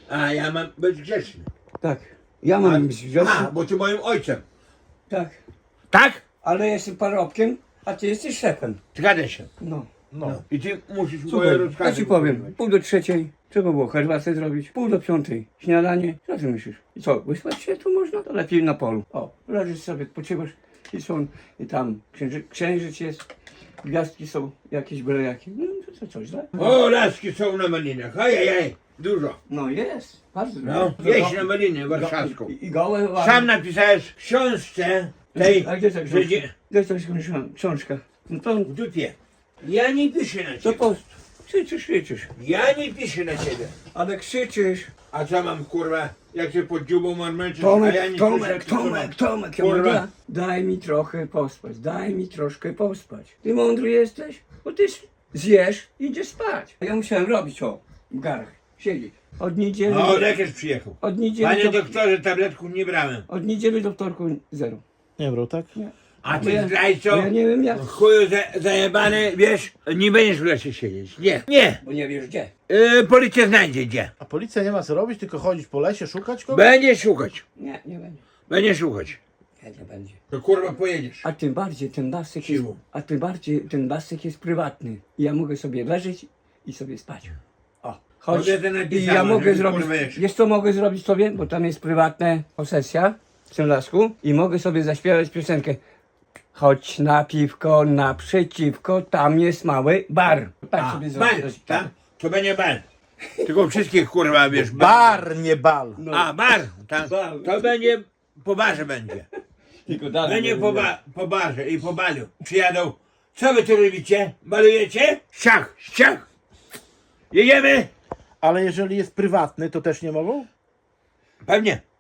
A ja mam być grzeczny. Tak. Ja mam być A, grzeczny. bo ty moim ojcem. Tak. Tak? Ale jestem parobkiem, a ty jesteś szefem. Zgadza się. No. No. I ty musisz moje Słuchaj, rozkazy ja ci powiem, wykonywać. 2:30 trzeba było herbatę zrobić, 4:45 śniadanie. Co ty myślisz? I co, wyspać się tu można? To lepiej na polu. O, leżysz sobie, odpoczywasz i są, i tam księżyc jest, gwiazdki są, jakieś byle jakie. No to co, źle? O, laski są na malinach. Ajajaj, dużo. No jest, bardzo No, dużo. wieś na malinę warszawską. I gołe ładne. Sam napisałeś w książce tej, A gdzie ta że książka? dzie- Gdzie jest ta książka? No to, w dupie. Ja nie piszę na to ciebie. po... Krzyczysz. Ja nie piszę na ciebie. Ale krzyczysz. A co mam, kurwa, jak się pod dziubą marmęczysz, a ja Tomek, nie Tomek, piszę, to co Tomek, mam? Tomek, ja Kurwa. mówię, daj mi trochę pospać, daj mi troszkę pospać. Ty mądry jesteś? Bo ty zjesz i idziesz spać. A ja musiałem robić w garach, siedzieć. Od niedzieli, O, lekarz przyjechał. od niedzieli, Panie do, doktorze, tabletków nie brałem. od niedzieli do wtorku zero. Nie brał, tak? A Bo ty ja- zdrajco, bo ja nie wiem jak. chuju zajebany, wiesz, nie będziesz w lesie siedzieć. Nie, nie. Bo nie wiesz gdzie. Policja znajdzie gdzie. A policja nie ma co robić, tylko chodzić po lesie, szukać kogoś? Będzie szukać. Nie będzie. Będzie szukać. Nie będzie. To kurwa pojedziesz. A tym bardziej ten basek jest, Siłą. a tym bardziej ten basek jest prywatny. I ja mogę sobie leżeć i sobie spać. O, chodź. Mogę to I napisałem, ja mogę żeby, zrobić, kurwa, jeszcze. wiesz co mogę zrobić sobie? Bo tam jest prywatna posesja w tym lasku i mogę sobie zaśpiewać piosenkę. Chodź na piwko naprzeciwko, tam jest mały bar. Tak A, sobie bal, zrobić. tak? To będzie bal. Tylko wszystkich kurwa, wiesz, Bar, nie bal. A, bar, tak. Bar. To będzie, po barze będzie. Tylko dalej. Będzie po barze i po balu. Przyjadą. Co wy tu robicie? Balujecie? Ściach, ściach. Jedziemy? Ale jeżeli jest prywatny, to też nie mogą? Pewnie.